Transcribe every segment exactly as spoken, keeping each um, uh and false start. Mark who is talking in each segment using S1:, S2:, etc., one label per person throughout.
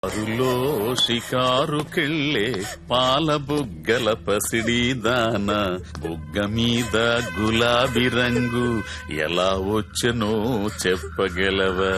S1: అరులో షికారుకెళ్ళే పాల బుగ్గల పసిడి దాన బుగ్గ మీద గులాబీ రంగు ఎలా వచ్చనో చెప్పగలవా?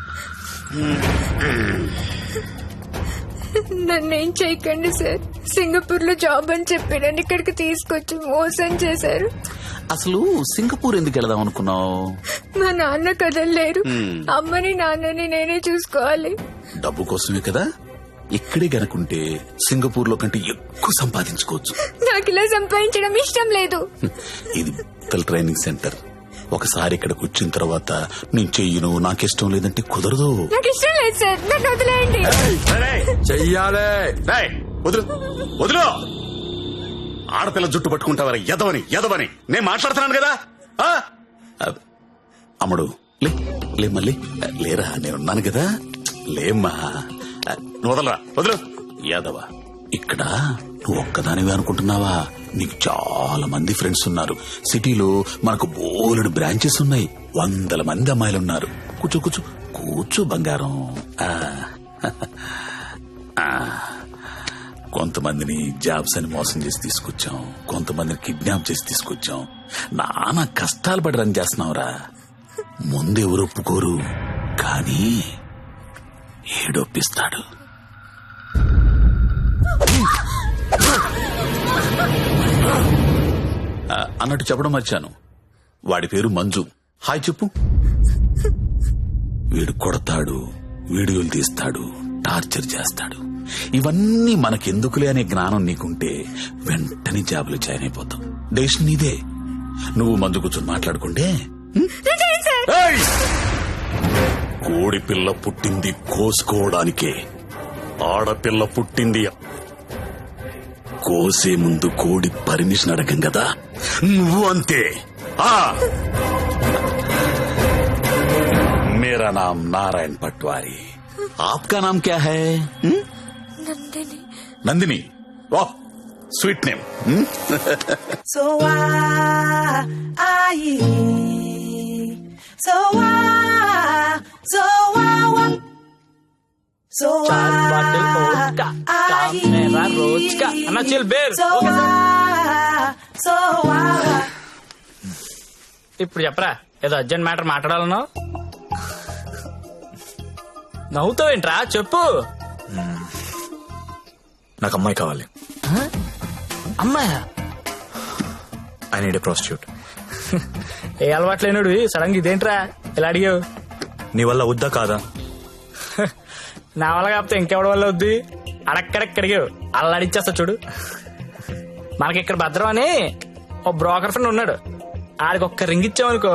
S2: నన్నేం చేయకండి సార్. సింగపూర్ లో జాబ్ అని చెప్పి నన్ను ఇక్కడికి తీసుకొచ్చి మోసం చేశారు.
S1: అసలు సింగపూర్ ఎందుకు వెళదాం అనుకున్నావు?
S2: మా నాన్న కదలలేరు. అమ్మని నాన్నని నేనే చూసుకోవాలి.
S1: డబ్బు కోసమే కదా. ఇక్కడే గనుకుంటే సింగపూర్ లో కంటే ఎక్కువ సంపాదించుకోవచ్చు.
S2: నాకు ఇలా సంపాదించడం ఇష్టం లేదు.
S1: ఇది పిల్లల ట్రైనింగ్ సెంటర్. ఒకసారి ఇక్కడికి వచ్చిన తర్వాత నేను చెయ్యను, నాకిష్టం లేదంటే కుదరదు.
S2: నాకు ఇష్టం లేదు సార్, నన్ను వదిలేయండి.
S1: చెయ్యాలే. వదులు వదులు. ఆడపిల్ల జుట్టు పట్టుకుంటావరా? ఎదవని ఎదవని నేను మాట్లాడుతున్నాను కదా. అమ్ముడు లే లే మళ్ళీ లేరా, నేనున్నాను కదా. లేమ్మా, వదలరా, వదులు. యాదవ, ఇక్కడ నువ్వు ఒక్కదానివే అనుకుంటున్నావా? నీకు చాలా మంది ఫ్రెండ్స్ ఉన్నారు. సిటీలో మనకు బోలెడు బ్రాంచెస్ ఉన్నాయి. వందల మంది అమ్మాయిలున్నారు. కూర్చో కూర్చో కూర్చో బంగారం. కొంతమందిని జాబ్స్ అని మోసం చేసి తీసుకొచ్చాం, కొంతమందిని కిడ్నాప్ చేసి తీసుకొచ్చాం. నానా కష్టాలు పడి రన్ చేస్తున్నావురా. ముందెవరు ఒప్పుకోరు, కానీ ఏడొప్పిస్తాడు. అన్నట్టు చెప్పడం మర్చాను, వాడి పేరు మంజు. హాయ్ చెప్పు. వీడు కొడతాడు, వీడియోలు తీస్తాడు, టార్చర్ చేస్తాడు. ఇవన్నీ మనకెందుకులే అనే జ్ఞానం నీకుంటే వెంటనే జాబులు జాయిన్ అయిపోతాం. డెసిషన్ నీదే. నువ్వు మందు కూర్చొని మాట్లాడుకుంటే. కోడి పిల్ల పుట్టింది కోసుకోవడానికే, ఆడపిల్ల పుట్టింది కోసే ముందు కోడి పర్మిషన్ అడగం కదా. నువ్వు అంతే. मेरा नाम नारायण पटवारी, आपका नाम क्या है?
S2: నందిని.
S1: नंदिनी, वाह sweet name.
S3: So why, so why, so why, so
S4: चार बाटल वोडका, काम मेरा रोज का. अन्ना chill beer. Okay sir.
S3: so why.
S4: ఇప్పుడు చెప్పరా, ఏదో అర్జెంట్ మ్యాటర్ మాట్లాడాలన్నావు. నవ్వుతావేంట్రా, చెప్పు.
S5: నాకు అమ్మాయి కావాలి.
S4: అమ్మాయా?
S5: I need a prostitute.
S4: ఏ అలవాటు లేనుడు సడన్ గా ఇదేంట్రా ఇలా అడిగావు?
S5: నీ వల్ల వద్దా కాదా?
S4: నా వల్ల కాకపోతే ఇంకెవడి వల్ల వద్ది? అడక్కడక్క అడిగావు, అలా అడిచేస్తా చూడు. మనకి ఇక్కడ భద్రం అని ఓ బ్రోకర్ ఫ్రెండ్ ఉన్నాడు. ఆడికి ఒక్క రింగ్ ఇచ్చామనుకో.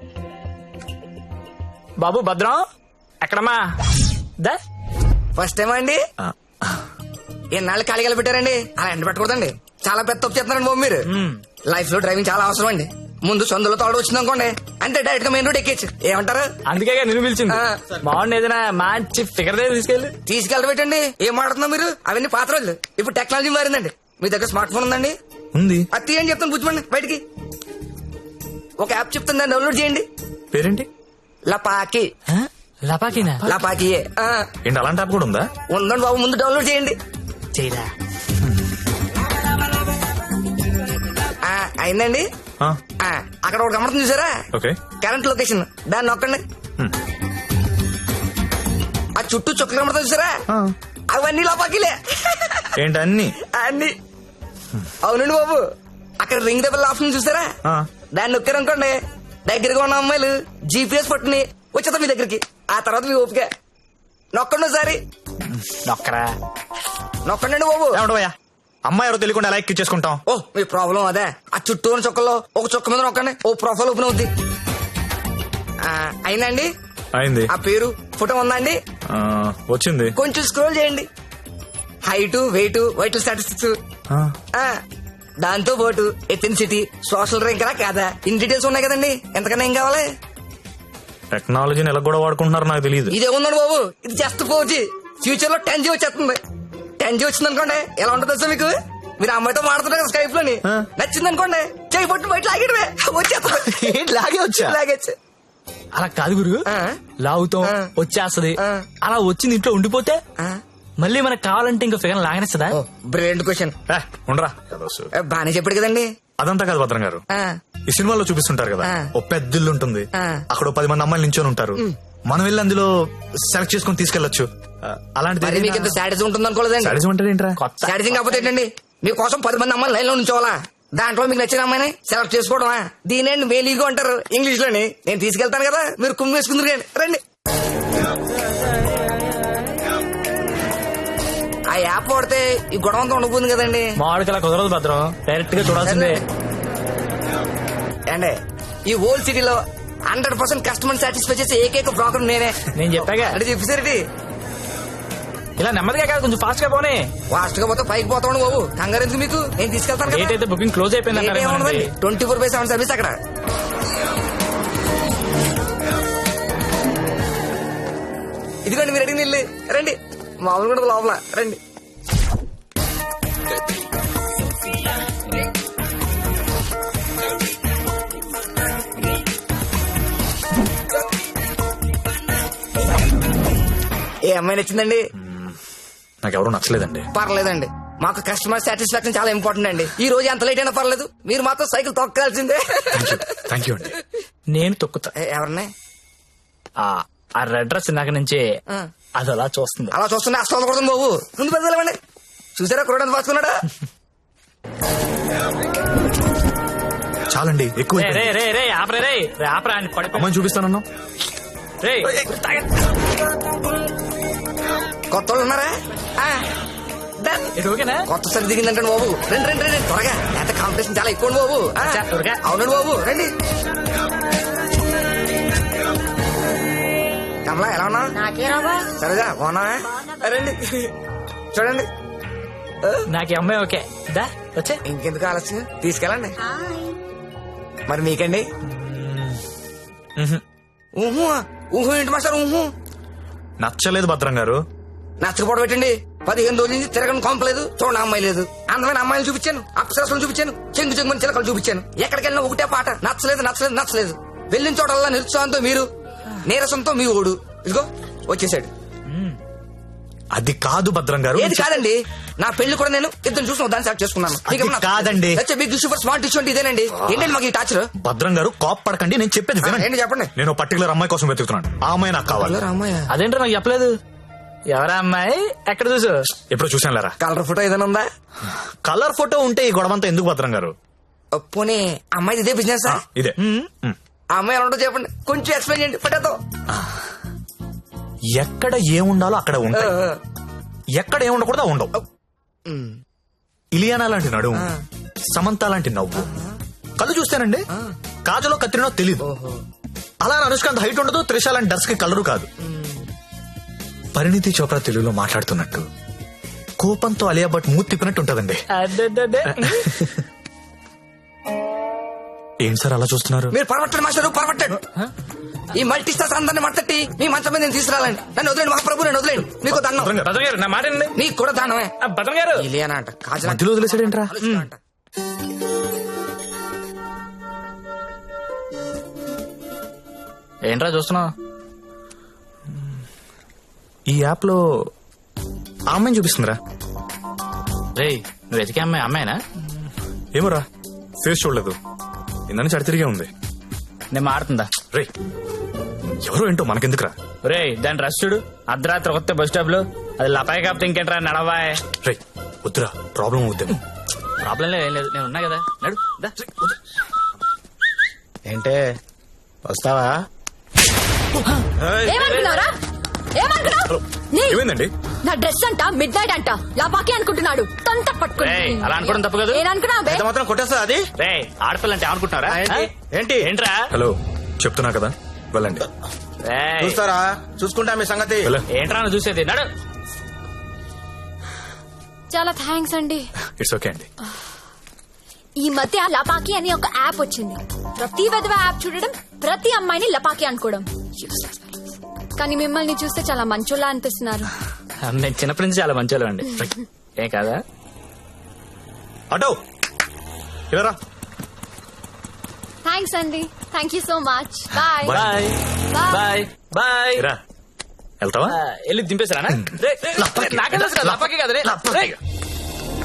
S4: బాబు భద్రం ఎక్కడమ్మా? దా
S3: ఫస్ట్ టైం అండి. ఎన్నాళ్ళు ఖాళీగా పెట్టారండి? అలా ఎండ పెట్టకూడదండి, చాలా పెద్ద తప్పు చేస్తున్నారండి బాబు మీరు. లైఫ్ లో డ్రైవింగ్ చాలా అవసరం అండి. ముందు సొందులో తోడు వచ్చింది అనుకోండి, అంటే డైరెక్ట్ గా మెయిన్ రోడ్ ఎక్కేచ్చు. ఏమంటారు?
S4: అందుకే నిన్ను పిలిచింది. బాగుంది, ఏదైనా మంచి ఫిగర్ దగ్గర తీసుకెళ్ళి
S3: తీసుకెళ్ళబెట్టండి. ఏం మాడుతున్నా మీరు? అవన్నీ పాత రోజులు. ఇప్పుడు టెక్నాలజీ మారిందండి. మీ దగ్గర స్మార్ట్ ఫోన్ ఉందండి?
S5: ఉంది.
S3: అది తీయండి చెప్తాను, బుజ్జిమండి బయటికి. ఒక యాప్ చెప్తాను, దాన్ని డౌన్లోడ్ చేయండి.
S5: పేరేంటి?
S3: లపాకి.
S4: లపాకినా?
S3: లపాకి
S5: ఏంటి, అలాంటి యాప్ కూడా ఉందా?
S3: ఉందండి బాబు, ముందు డౌన్లోడ్ చేయండి.
S4: చేయరా
S3: అయిందండి. అక్కడ ఒక గమనం చూసారా?
S5: ఓకే.
S3: కరెంట్ లొకేషన్, దాన్ని నొక్కండి. ఆ చుట్టూ చుక్కలు కనబడతా చూసారా? అవన్నీ లపాకిలే.
S5: ఏంటి అన్ని?
S3: అన్ని అవునండి బాబు. అక్కడ రింగ్ దెబ్బల ఆప్షన్ చూసారా? దాన్ని నొక్కారనుకోండి, దగ్గరగా ఉన్న అమ్మాయిలు జీపీఎస్ పట్టుని వచ్చేద్దాం మీ దగ్గరికి. ఆ తర్వాత మీ ఓపిక. నొక్కండి ఒకసారి.
S4: నొక్కరా
S3: నొక్కండి బాబు.
S5: ఏమంటావయ్యా, అమ్మాయి ఎవరో తెలియకుండా ఎలా ఎక్కిచ్చేసుకుంటాం?
S3: ఓ మీ ప్రాబ్లం అదే. ఆ చుట్టూ ఉన్న చుక్కల్లో ఒక చుక్క మీద నొక్కండి, ఓ ప్రొఫైల్ ఓపెన్ అవుద్ది. అయిందండి?
S5: అయింది.
S3: ఆ పేరు ఫోటో ఉందా అండి?
S5: వచ్చింది.
S3: కొంచెం స్క్రోల్ చేయండి. హైట్, వెయిట్, వైటల్ స్టాటిస్టిక్స్, దాంతో పాటు ఎథెన్సిటీ, సోషల్ ర్యాంక్ రా కాదా, ఇన్ డీటెయిల్స్ ఉన్నాయి కదండి. ఎంతకన్నా ఏం కావాలి?
S5: టెక్నాలజీని ఎలా కూడా వాడుకుంటున్నారో నాకు తెలియదు.
S3: ఇదే ఉందండి బాబు, ఇది జస్ట్ ఫోర్ జీ. ఫ్యూచర్ లో టెన్ జీ వచ్చేస్తుంది. టెన్ జీ వచ్చింది అనుకోండి, ఎలా ఉంటుంది సార్ మీకు? మీరు అమ్మాయితో మాడుతున్నారు కదా స్కైప్ లోని, నచ్చింది అనుకోండి, చేయి పట్టు బయట లాగేటమే వచ్చేస్తుంది.
S5: లాగే వచ్చా?
S3: లాగేచ్చు.
S4: అలా కాదు గురు, లాగుతాం వచ్చేస్తది. అలా వచ్చింది ఇంట్లో ఉండిపోతే మళ్ళీ మనకు కావాలంటే ఇంకో ఫిగర్ లాగనిస్తుందా?
S3: Brilliant question.
S5: ఏ, ఉండరా ఏదో సు-
S3: బానే చెప్పాడు కదండి.
S5: అదంతా కాదు భద్రం గారు.
S3: ఆ,
S5: ఈ సినిమాలో చూపిస్తుంటారు కదా,
S3: ఆ.
S5: ఓ పెద్ద ఇల్లు ఉంటుంది,
S3: ఆ.
S5: అక్కడ ఓ పది మంది అమ్మాయిలు నించొని ఉంటారు, మనం వెళ్ళి అందులో సెలెక్ట్ చేసుకుని తీసుకెళ్లొచ్చు. ఆ, అలాంటిది
S3: మరి మీకు ఇంత సాడిజం ఉంటుంది అనుకోలేదండి.
S5: సాడిజం అంటే ఏంట్రా?
S4: కొత్త
S3: సాడిజం కాకపోతే ఏంటండి, మీకోసం పది మంది అమ్మాయిలు లైన్ లో ఉంచోవాలా, దాంట్లో మీకు నచ్చిన అమ్మాయిని సెలెక్ట్ చేసుకోవడమా? దీనేండి మేలీగో అంటారు ఇంగ్లీష్ లోని. నేను తీసుకెళ్తాను కదా, మీరు కుమ్మి వేసుకుందరు కానీ రండి. ఆ యాప్ వాడితే ఈ గొడవ అంతా ఉండబోతుంది కదండి.
S4: మామిడికి అలా కుదరదు భద్రం, డైరెక్ట్ గా చూడాల్సిందే.
S3: అండి ఈ ఓల్డ్ సిటీలో హండ్రెడ్ పర్సెంట్ కస్టమర్ సాటిస్ఫై చేసే ఏకైక బ్రోకర్ నేనే.
S4: నేను చెప్పాగా
S3: అంటే చెప్పేసరికి
S4: ఇలా నెమ్మదిగా కాదు, కొంచెం ఫాస్ట్ గా పోనీ.
S3: ఫాస్ట్ గా పోతే పైకి పోతాను బాబు, కంగారు ఎందుకు మీకు, నేను తీసుకెళ్తాను
S4: డేట్ అయితే బుకింగ్ క్లోజ్ అయిపోయింది.
S3: Twenty four by seven service అక్కడ. ఇదిగోండి మీరు అడిగిన ఇల్లు, రండి. మామూలు కూడా లోపల రండి. ఏ అమ్మాయి నచ్చిందండి?
S5: నాకు ఎవరు నచ్చలేదండి.
S3: పర్లేదండి, మాకు కస్టమర్ సాటిస్ఫాక్షన్ చాలా ఇంపార్టెంట్ అండి. ఈ రోజు ఎంత లేట్ అయినా పర్లేదు, మీరు మాత్రం సైకిల్ తొక్కాల్సిందే.
S5: థ్యాంక్ యూ అండి.
S4: నేను తొక్కుతా.
S3: ఏ, ఎవరిని?
S4: ఆ ఆ రెడ్ డ్రెస్ ఇందాక నుంచి
S3: ఆ.
S4: అది అలా చూస్తుంది.
S3: అలా చూస్తున్నా అసలు కొడుతుంది బాబు, ముందు పెద్దలేమండి. చూసారా కురడానికి పాసుకున్నాడా?
S5: చాలండి, ఎక్కువ
S4: రే రే రే రే ఆపరే రే రే ఆపరా అని పడిపో.
S5: అమ్మాయిని చూపిస్తానన్నా.
S4: రే
S3: కొత్త వాళ్ళు ఉన్నారా? ఆ, done.
S4: ఇది ఓకేనా?
S3: కొత్త సరి దిగిందంటే బాబు, రండి రండి రండి త్వరగా, ఎంత కాంపిటీషన్ చాలా ఎక్కువ బాబు. ఆ,
S4: చా, త్వరగా.
S3: అవునండి బాబు, రండి. కమలా ఎలా ఉన్నా?
S2: నాకే రావా?
S3: సరేగా బాగున్నా? రండి చూడండి.
S4: నాకు ఈ అమ్మాయి ఓకే. దా వచ్చే.
S3: ఇంకెందుకు ఆలస్యం, తీసుకెళ్ళండి. మరి మీకండి? ఊహు ఊహు ఏంటి మాస్టర్? ఊహు
S5: నచ్చలేదు భద్రం గారు.
S3: నచ్చకపోవడం పెట్టండి. పదిహేను రోజుల నుంచి తిరగని కొంపలేదు, చూడండి అమ్మాయి లేదు. అందమైన అమ్మాయిలు చూపించాను, అప్సరసలు చూపించాను, చెంగు చెంగుని చిలకలు చూపించాను. ఎక్కడికి వెళ్ళినా ఒకటే పాట, నచ్చలేదు నచ్చలేదు నచ్చలేదు. వెళ్ళిన చోటల్లా నిరుత్సాహంతో మీరు, నీరసంతో మీ ఓడు. ఇదిగో వచ్చేసాడు.
S5: అది కాదు భద్రం గారు.
S3: ఏది కాదండి, నా పెళ్లి కూడా నేను ఇద్దరు చూసిన దాన్ని సెలెక్ట్ చేసుకున్నాను.
S5: అది కాదండి.
S3: బిగ్ సూపర్ స్మార్ట్ ఇష్యూ అంటే ఇదేనండి. ఏంటండి మాకు ఈ టాచర్?
S5: భద్రం గారు కాప్ పడకండి, నేను చెప్పేది వినండి.
S3: ఏంటి చెప్పండి.
S5: నేను పర్టికులర్ అమ్మాయి కోసం వెతుకుతున్నాను, ఆ అమ్మాయి నాకు కావాలి.
S3: రామయ్య,
S4: అదేంటో నాకు చెప్పలేదు. ఎవరా అమ్మాయి? ఎక్కడ చూసు?
S5: ఎప్పుడు చూసాను లేరా.
S3: కలర్ ఫోటో ఏదైనా ఉందా?
S5: కలర్ ఫోటో ఉంటే ఈ గొడవంతా ఎందుకు భద్రం గారు?
S3: ఓ, పోనీ అమ్మాయి ఇదే బిజినెస్?
S5: ఇదే. మ్.
S3: ఆ అమ్మాయి ఎలా ఉంటుందో చెప్పండి, కొంచెం ఎక్స్ప్లెయిన్ చేయండి ఫోటోతో.
S5: ఎక్కడ ఏముండాలో అక్కడ ఉంటాయి, ఎక్కడ ఏముండకూడదు ఉండవు. ఇలియానా లాంటి నడుము, సమంత లాంటి నవ్వు, కళ్ళు చూస్తేనండి కాజలో కత్తిరినో తెలీదు. అలా అనుష్కాంత్ హైట్ ఉండదు, త్రిష లాంటి డర్స్ కి కలరు కాదు. పరిణితి చోప్రా తెలుగులో మాట్లాడుతున్నట్టు, కోపంతో అలియా భట్ మూతి తిప్పినట్టు ఉంటదండి.
S4: అడ్డడ్డడ్డే.
S5: ఏం సార్ అలా చూస్తున్నారు?
S3: మీరు పరమట్టండి మాస్టర్, పరమట్టండి. ఈ మల్టీ స్టార్స్ అందరిని మట్టట్టి మీ మంచం మీద నేను తీసుకురాలండి. నన్ను వదిలేండి మహాప్రభు, నేను వదిలేండి. మీకు దండం.
S5: భద్రం గారు,
S4: భద్రం గారు నా మాట వినండి.
S3: నీకు కూడా దండమే.
S4: ఆ, భద్రం గారు
S3: ఇలియానా అంట, కాజల
S5: మధ్యలో వదిలేసాడేంట్రా?
S3: అంట.
S4: ఏంట్రా చూస్తున్నావు?
S5: ఈ యాప్ లో ఆ అమ్మాయిని చూపిస్తుందిరా.
S4: రే నువ్వు వెతికే అమ్మాయి అమ్మాయినా?
S5: ఏమోరా, ఫేస్ చూడలేదు, ఇందని చడి తిరిగే ఉంది.
S4: నేను మాడుతుందా?
S5: రే ఎవరో ఏంటో మనకెందుకురా.
S4: రే దాని రష్ చూడు, అర్ధరాత్రి కొత్త బస్ స్టాప్ లో. అది లపాయి కాపుతే ఇంకేంట్రా, నడవాయ్.
S5: రే వద్దురా, ప్రాబ్లం అవుద్దేమో.
S4: ప్రాబ్లం లేదు, ఏం లేదు, నేను ఉన్నా కదా, నడు దా.
S6: ఏంటే వస్తావా?
S2: ఏమనుకున్నారా? ఏమనుకున్నావు? నీ-
S5: ఏమైందండి?
S2: నా డ్రెస్ అంట మిడ్ నైట్ అంట లాపాకి అనుకుంటున్నాడు. తొంత పట్టుకుని
S4: రేయ్, అలా అనుకోవడం తప్పు కదా.
S2: నేననుకున్నా బే.
S6: ఎంత మాత్రం కొట్టేస్తా అది?
S4: రే ఆడపిల్ల అంటే అనుకుంటున్నారా?
S6: ఆ, ఏంటి? ఏంటి?
S4: ఏంట్రా?
S5: హలో చెప్తున్నా కదా, వెళ్ళండి.
S4: రేయ్,
S6: చూస్తారా? చూసుకుంటా మీ సంగతి.
S5: వెళ్ళ.
S4: ఏంట్రా నువ్వు చూసేది? నడు.
S2: చాలా థ్యాంక్స్ అండి.
S5: ఇట్స్ ఓకే అండి.
S2: ఈ మధ్య లపాకి అని ఒక యాప్ వచ్చింది. ప్రతి విధవ యాప్ చూడడం, ప్రతి అమ్మాయిని లపాకి అనుకోవడం. Useless fellows. కానీ మిమ్మల్ని చూస్తే చాలా మంచోళ్ళ అనిపిస్తున్నారు.
S4: నేను చిన్నప్పటి నుంచి చాలా మంచి అండి. ఏం కాదా?
S5: అటో ఇలా
S2: థ్యాంక్స్ అండి. Thank you so much. Bye
S4: bye bye bye.
S5: రా, వెళ్తావా?
S4: వెళ్ళి దింపేశారా? నాకెళ్ళి కదా రే.
S5: నా పర్స్
S4: రే.
S5: తీయ్.